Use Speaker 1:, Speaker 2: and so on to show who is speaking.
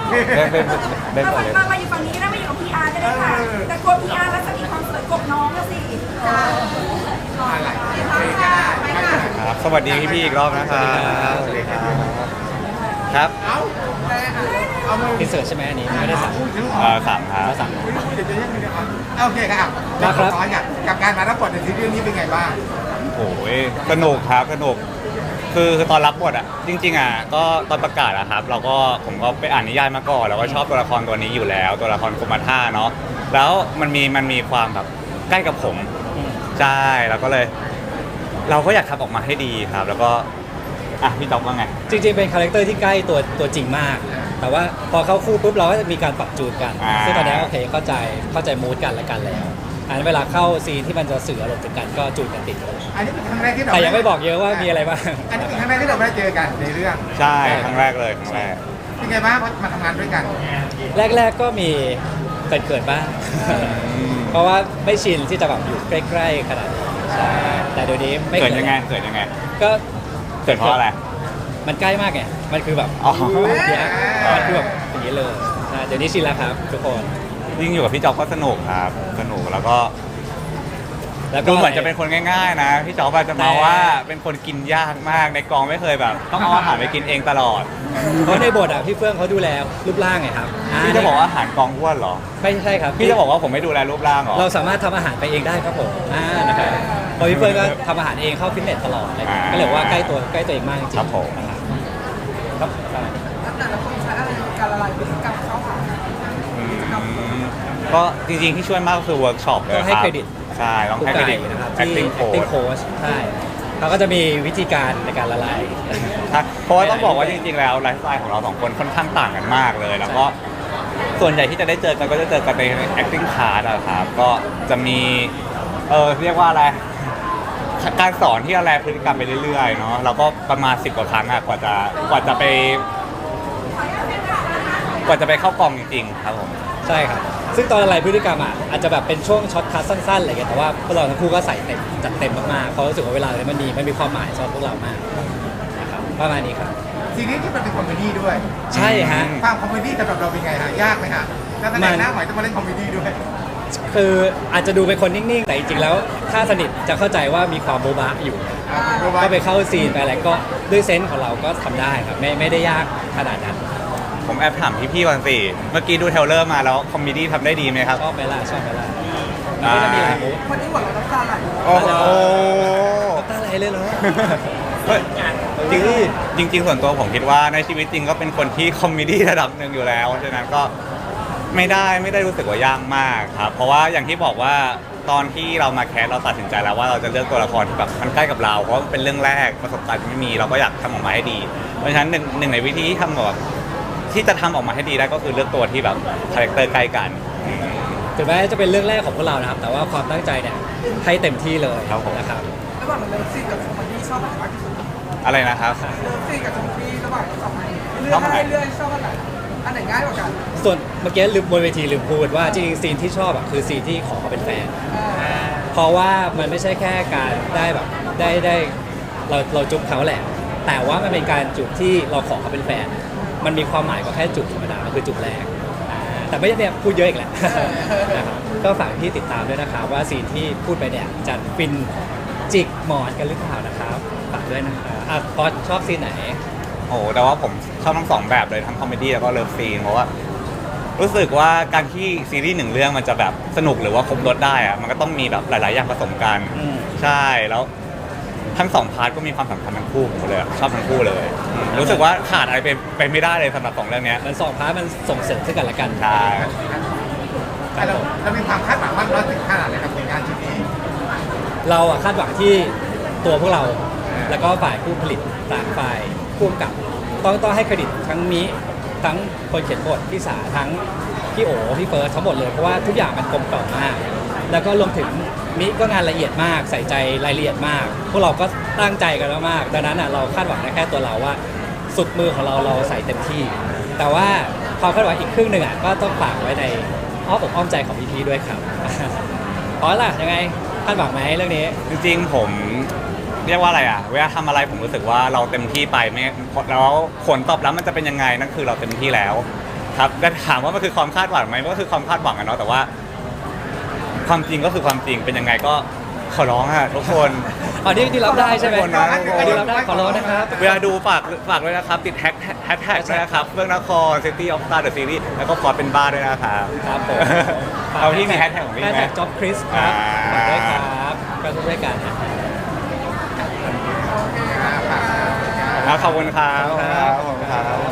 Speaker 1: เล่นก่อนเลย
Speaker 2: มาอยู่ฝั่งนี้แล้วมาอยู่กับพีอาร์ก็ได้ค่ะแต่กลัวพีอาร์แล้วจะมีความสวยกบน้องแล้วสิ
Speaker 3: อะไรไปกัน
Speaker 1: ครับสวัสดีพี่อีกรอบนะครับสวัสดีครับครับ
Speaker 3: เอามือ
Speaker 4: อินเสิร์ตใช่ไหมอันนี้ไม่ได้สั่ง
Speaker 1: สั่งครับ
Speaker 4: สั่ง
Speaker 3: เดี๋ยวจะยังไงนะครับโอเคครับ
Speaker 4: ครับ
Speaker 3: ร้อนกับการมารับบทในซีรีส์นี้เป็นไงบ้าง
Speaker 1: โอ้ยสนุกครับสนุกคือตอนรับบทอ่ะจริงๆอ่ะก็ตอนประกาศอะครับผมก็ไปอ่านนิยายมาก่อนแล้วก็ชอบตัวละครตัวนี้อยู่แล้วตัวละครกุมาท่าเนาะแล้วมันมีความแบบใกล้กับผมใช่แล้วก็เลย เราก็อยากทำออกมาให้ดีครับ แล้วก็อ่ะพี่จ๊อบว่าไง
Speaker 4: จริงๆเป็นคาแรคเตอร์ที่ใกล้ตัวจริงมาก แต่ว่าพอเข้าคู่ปุ๊บเราก็จะมีการปรับจูนกัน ซึ่งตอนนี้โอเคเข้าใจมูดกันและกันแล้วอันนั้นเวลาเข้าซีนที่มันจะสื่ออารมณ์ถึงกันก็จูนกันติดเลย
Speaker 3: อันนี้เป็นครั้งแรกที่เรา
Speaker 4: แต่ยังไม่บอกเยอะว่ามีอะไรบ้าง
Speaker 3: อันนี้เป็นครั้งแรกที่เราได้เจอกันในเรื่อง
Speaker 1: ใช่ครั้งแรกเลยครั้งแรก
Speaker 3: เป็นไงบ้างมาทำงานด้วยกัน
Speaker 4: แรกๆก็มีเกิดบ้าง เพราะว่าไม่ชินที่จะแบบอยู่ใกล้ๆขนาดนี้ใช่แต่เดี๋ยวนี้ไม่
Speaker 1: เกิดยังไงเกิดยังไง
Speaker 4: ก็
Speaker 1: เกิดเพราะอะไร
Speaker 4: มันใกล้มากไงมันคือแบบ
Speaker 1: อ๋อ
Speaker 4: เนี่ยมันคือแบบอย่างนี้เลยใช่เดี๋ยวนี้ชินแล้วครับทุกคน
Speaker 1: ยิ่งอยู่กับพี่จ๊อบก็สนุกครับสนุกแล้วก็
Speaker 4: แล้วก็
Speaker 1: ดูเหมือนจะเป็นคนง่ายๆนะพี่จ๊อบอาจจะมาว่าเป็นคนกินยากมากในกองไม่เคยแบบ ต้องเอาอาหารไปกินเองตลอด
Speaker 4: เพราะในบทอ่ะพี่เฟื่องเขาดูแลรูปร่างไงครับ
Speaker 1: พี่จะบอกว่าอาหารกองอ้วนเหรอ
Speaker 4: ไม่ใช่ครับ
Speaker 1: พี่จะบอกว่าผมไม่ดูแลรูปร่างเหรอ
Speaker 4: เราสามารถทำอาหารไปเองได้ครับผมนะครับเพราะพี่เฟื่องก็ทำอาหารเองเข้าฟิตเนสตลอดเลยก็เลยว่าใกล้ตัวเองมากจริงๆ
Speaker 1: ครับผม
Speaker 4: ครับใช่
Speaker 2: แต่ละคนใช้อะไรการละลายพฤติกรรมเข้าหา
Speaker 1: ก็จริงๆที่ช่วยมากก็คือเวิร์กช็อปเลย
Speaker 4: ต้อง
Speaker 1: ค
Speaker 4: ให้
Speaker 1: รับ
Speaker 4: เครดิต
Speaker 1: ใช่ต้องให้เครดิต
Speaker 4: นะครับที่
Speaker 1: acting
Speaker 4: acting
Speaker 1: coach
Speaker 4: coach ใช่เขาก็จะมีวิธีการในการละลาย
Speaker 1: ใช่เพราะว่าต้องบอกว่าจริงๆแล้วไลฟ์สไตล์ของเราสองคนค่อนข้างต่างกันมากเลย แล้วก็ส่วนใหญ่ที่จะได้เจอกันก็จะเจอกันใน acting class อะครับก็จะมีเรียกว่าอะไรการสอนที่อะไรพฤติกรรมไปเรื่อยๆเนาะเราก็ประมาณ10 กว่าครั้งอะกว่าจะไปเข้ากองจริงๆครับผม
Speaker 4: ใช่ครับ ซึ่งตอนละลายพฤติกรรมอ่ะอาจจะแบบเป็นช่วงช็อตคัทสั้นๆอะไรเงี้ยแต่ว่าพวกเราทั้งคู่ก็ใส่เต็มจัดเต็มมากๆเพราะรู้สึกว่าเวลาเนี่ยมันมีความหมายสำหรับพวกเรามากนะครับประมาณนี้ครับ
Speaker 3: ซีรีส์ที่มันเป็นคอมเมดี้ด้วย
Speaker 4: ใช่ฮะ
Speaker 3: ความคอมเมดี้สำหรับเราเป็นไงฮะยากไหมฮะแล้วแสดงหน้าใหม่ต้องมาเล่นคอมเมดี้ด้วย
Speaker 4: คืออาจจะดูเป็นคนนิ่งๆ แต่จริงๆ แล้วถ้าสนิทจะเข้าใจว่ามีความโบ๊ะบะอยู่ ก็ไปเข้าซีนไปอะไรก็ด้วยเซนส์ของเราก็ทำได้ครับไม่ได้ยากขนาดนั้น
Speaker 1: ผมแอบถามพี่ๆก่อนสิเมื่อกี้ดูเทรลเลอร์มาแล้วคอมเมดี้ทำได้ดีไหมครับ
Speaker 4: ชอบไหมล่ะมันก็จะมีหลายมุก
Speaker 2: วันนี้หวังน้ำตาไหล
Speaker 1: โอ้โห
Speaker 4: ตาไหลเลยเหรอ
Speaker 1: เฮ้ยจริงส่วนตัวผมคิดว่าในชีวิตจริงก็เป็นคนที่คอมเมดี้ระดับหนึ่งอยู่แล้วฉะนั้นก็ไม่ได้รู้สึกว่ายากมากครับเพราะว่าอย่างที่บอกว่าตอนที่เรามาแคสเราตัดสินใจแล้วว่าเราจะเลือกตัวละครที่แบบมันใกล้กับเราเพราะมันเป็นเรื่องแรกประสบการณ์ไม่มีเราก็อยากทำออกมาให้ดี เพราะฉะนั้นหนึ่งในวิธีที่ทำแบบที่จะทำออกมาให้ดีได้ก็คือเลือกตัวที่แบบคาแรคเตอร์ใกล้กัน
Speaker 4: ถึงแม้จะเป็นเรื่องแรกของพวกเรานะครับ แต่ว่าความตั้งใจเนี่ยให้เต็มที่เลย
Speaker 1: ครับผม
Speaker 4: นะครับ
Speaker 2: ระหว่างเลิฟซีนกับคอมเมดี้ชอบอะไรมากที่สุด
Speaker 1: อะไรนะครับ
Speaker 2: เลิฟซีนกับคอมเมดี้ระหว่างสองอันเลือกให้เลือกชอบอันไหนอันไหนง่ายกว่ากัน
Speaker 4: ส่วนเมื่อกี้ลืมบนเวทีลืมพูดว่าจริงๆซีนที่ชอบอ่ะคือซีนที่ขอเขาเป็นแฟน เพราะว่ามันไม่ใช่แค่การได้แบบได้เราจุ๊บเขาแหละ แต่ว่ามันเป็นการจุ๊บที่เราขอเขาเป็นแฟน มันมีความหมายกว่าแค่จุ๊บธรรมดามันคือจุ๊บแรกแต่ไม่ใช่เนี่ยพูดเยอะอีกแหละ นะครับก็ฝากพี่ติดตามด้วยนะครับว่าซีนที่พูดไปเนี่ยจะฟินจิกหมอนกันหรือเปล่านะครับฝากด้วยนะครับพอชอบซีนไหน
Speaker 1: โอ้โหแต่ว่าผมชอบทั้งสองแบบเลยทั้งคอมเมดี้แล้วก็เลิฟซีนเพราะว่ารู้สึกว่าการที่ซีรีส์หนึ่งเรื่องมันจะแบบสนุกหรือว่าครบรสได้อะมันก็ต้องมีแบบหลาย ๆ อย่างผสมกัน
Speaker 4: อืม
Speaker 1: ใช่แล้วทั้งสองพาร์ทก็มีความสำคัญทั้งคู่ผมเลยอะชอบทั้งคู่เลยรู้สึกว่าขาดอะไรไปไม่ได้เลยสำหรับสองเรื่องเนี้ย
Speaker 4: มันสองพาร์ทมันส่งเสริมซึ่งกันและกัน
Speaker 1: ใช่
Speaker 3: แต่เรามีความคาดหวังมากน้อยถึงขนาดไหนกับผลงานชิ้นนี้
Speaker 4: เราอะคาดหวังที่ตัวพวกเรา แล้วก็ฝ่ายผู้ผลิตต่างฝ่ายผู้กำกับต้องให้เครดิตทั้งนี้ทั้งคนเขียนบทพี่สาทั้งพี่โอพี่เฟิร์สทั้งหมดเลยเพราะว่าทุกอย่างมันกลมกล่อมมาก แล้วก็รวมถึงมิก็งานละเอียดมากใส่ใจรายละเอียดมาก พวกเราก็ตั้งใจกันมากๆดังนั้นอะเราคาดหวังได้แค่ตัวเราว่าสุดมือของเราใส่เต็มที่ แต่ว่าความคาดหวังอีกครึ่งหนึ่งอะก็ต้องฝากไว้ในอ้อมอกอ้อมใจของพี่ๆด้วยครับ เพราะล่ะยังไงคาดหวังไหมเรื่องนี้
Speaker 1: จริงๆผมเรียกว่าอะไรอ่ะเวลาทำอะไรผมรู้สึกว่าเราเต็มที่ไปไม่แล้วผลตอบรับมันจะเป็นยังไงนั่นคือเราเต็มที่แล้วครับแต่ถามว่ามันคือความคาดหวังไหมมันก็คือความคาดหวังอะเนาะแต่ว่า ความจริงก็คือความจริงเป็นยังไงก็ขอร้องอะทุกคน
Speaker 4: อันนี้ที่รับได้ใช่ไหม
Speaker 1: ทุกคนนะ
Speaker 4: อันนี้รับได้ขอร้องนะครับ
Speaker 1: เวลาดูฝากด้วยนะครับติดแฮชแท็กด้วยนะครับเรื่องนคร City of Star The Series แล้วก็ฟอร์ดเป็นบ้าด้วยนะครับ
Speaker 4: ครับผม
Speaker 1: เอาที่มีแฮชแท็กของพี่ไหม
Speaker 4: แฮชแท็กจ็อบคริสครับ
Speaker 1: อ่า
Speaker 4: ฝากด้วยครับก็ทุกรายการนะ
Speaker 1: ขอบคุณครับ
Speaker 4: ขอบคุณครับ
Speaker 1: ขอบคุณครับ